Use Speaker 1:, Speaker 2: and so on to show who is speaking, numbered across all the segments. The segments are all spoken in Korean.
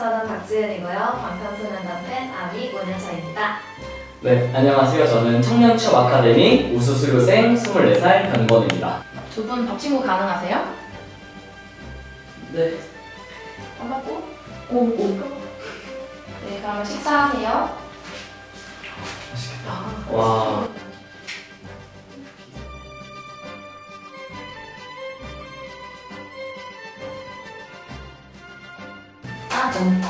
Speaker 1: 저는 박지은이고요. 방탄소년단 팬 아미 5년차입니다.
Speaker 2: 네, 안녕하세요. 저는 청년취업 아카데미 우수수료생 24살 변건우입니다.
Speaker 3: 두 분 밥 친구 가능하세요?
Speaker 2: 네.
Speaker 3: 반갑고. 오. 네, 그러면 식사하세요.
Speaker 2: 맛있겠다. 와.
Speaker 3: 짠.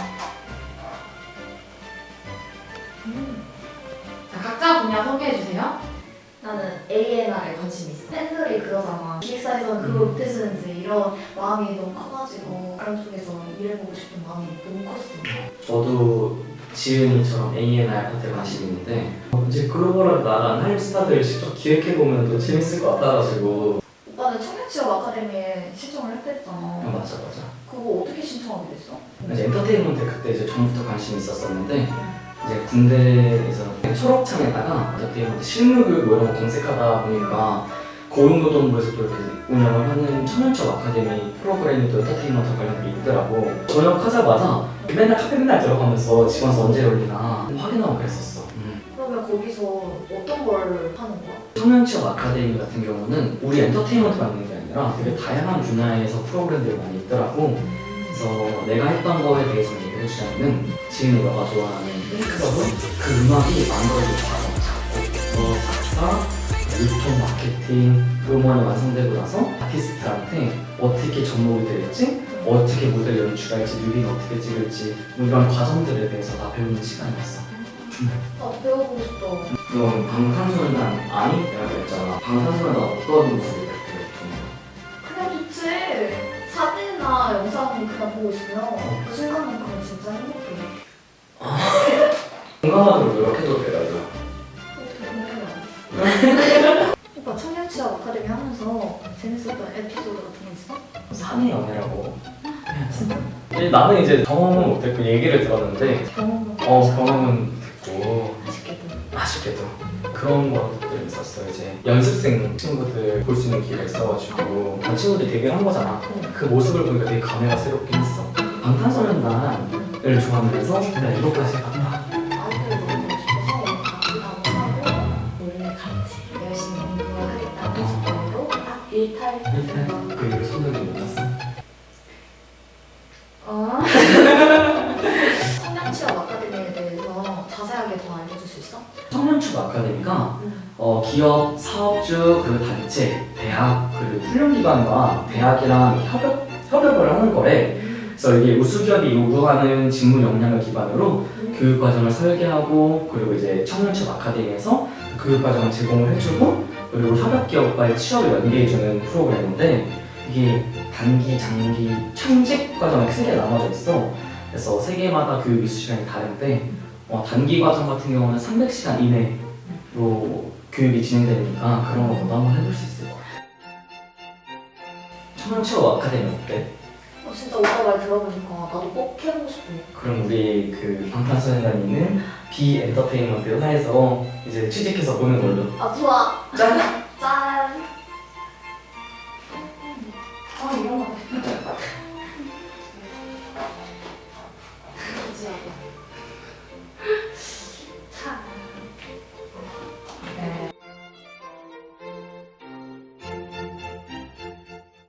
Speaker 3: 자, 각자 분야 소개해 주세요.
Speaker 1: 나는 ANR에 관심 있어. 팬들이 그러잖아. 기획사에서는 그걸 못해주는지 이런 마음이 너무 커가지고 다른 쪽에서 일해보고 싶은 마음이 너무 컸어.
Speaker 2: 저도 지은이처럼 A&R 파트에 관심 있는데 이제 글로벌하게 나간 한류 스타들을 직접 기획해보면 더 재밌을 것 같아가지고.
Speaker 1: 오빠는 청년취업 아카데미에 신청을 했댔잖아.
Speaker 2: 맞아.
Speaker 1: 그거 어떻게 신청하게 됐어?
Speaker 2: 이제 엔터테인먼트 그때 이제 전부터 관심이 있었었는데 이제 군대에서 초록창에다가 엔터테인먼트 실무교육 뭐 이런 거 검색하다 보니까 고용노동부에서 또 이렇게 운영을 하는 청년취업 아카데미 프로그램이 또 엔터테인먼트 관련된 게 있더라고. 전역하자마자 맨날 카페 맨날 들어가면서 지원서 언제 열리나 확인하고 그랬었어.
Speaker 1: 그러면 거기서 어떤 걸 하는 거야?
Speaker 2: 청년취업 아카데미 같은 경우는 우리 엔터테인먼트만 있는 게 아니라 되게 다양한 분야에서 프로그램들이 많이 있더라고. 그래서 내가 했던 거에 대해서 얘기를 해주자면 지은이 너가 좋아하는 핑크러브 그 음악이 만들어진 과정, 작곡, 작사, 유통, 마케팅 그 음원이 완성되고 나서 아티스트한테 어떻게 접목이 될지 어떻게 무대를 연출할지 뮤비는 어떻게 찍을지 뭐 이런 과정들에 대해서 다 배우는 시간이었어.
Speaker 1: 나 배워보고 싶다.
Speaker 2: 넌 방탄소년단 아니라고 했잖아. 방탄소년단 어떤 모습이 그렇게 좀
Speaker 1: 그냥 좋지. 사진이나 영상 그냥 보고 있으면 그 순간만큼은 진짜 행복해.
Speaker 2: 공감하도록 노력해도 돼, 나도.
Speaker 1: 어떻게 생각해? 오빠 청년취업 아카데미 하면서 재밌었던 에피소드 같은 거 있어?
Speaker 2: 산의 연애라고.
Speaker 1: 진짜?
Speaker 2: 나는 이제 경험은 못했고 얘기를 들었는데 경험은 됐고 아쉽게도 그런 것들이 있었어. 이제 연습생 친구들 볼 수 있는 기회가 있어가지고 친구들이 데뷔를 한 거잖아. 그 모습을 보니까 되게 감회가 새롭긴 했어. 방탄소년단을 좋아하면서 내가 이거까지 해봤다.
Speaker 1: 아이들 너무 보고 싶어서 가기도 하고 원래 같이 열심히 공부하겠다는 식으로 딱 일탈
Speaker 2: 그 일을 손들지 못했어.
Speaker 1: 청년취업 아카데미에 대해서 자세하게 더 알려줄 수 있어?
Speaker 2: 청년취업 아카데미가 기업, 사업주, 그리고 단체, 대학, 그리고 훈련기관과 대학이랑 협업을 하는 거래. 그래서 이게 우수기업이 요구하는 직무 역량을 기반으로 교육과정을 설계하고 그리고 이제 청년취업 아카데미에서 교육과정을 제공을 해주고 그리고 협업기업과의 취업을 연계해주는 프로그램인데 이게 단기, 장기, 청직 과정이 크게 나눠져 있어. 그래서 세 개마다 교육 이수 시간이 다른데 단기 과정 같은 경우는 300시간 이내로 교육이 진행되니까 그런 것도 한번 해볼 수 있을 것 같아. 청년취업 아카데미 어때?
Speaker 1: 진짜 오빠 말 들어보니까 나도 꼭 해보고 싶어.
Speaker 2: 그럼 우리 그 방탄소년단이 있는 비엔터테인먼트 회사에서 이제 취직해서 보는 걸로.
Speaker 1: 아 좋아.
Speaker 2: 짠!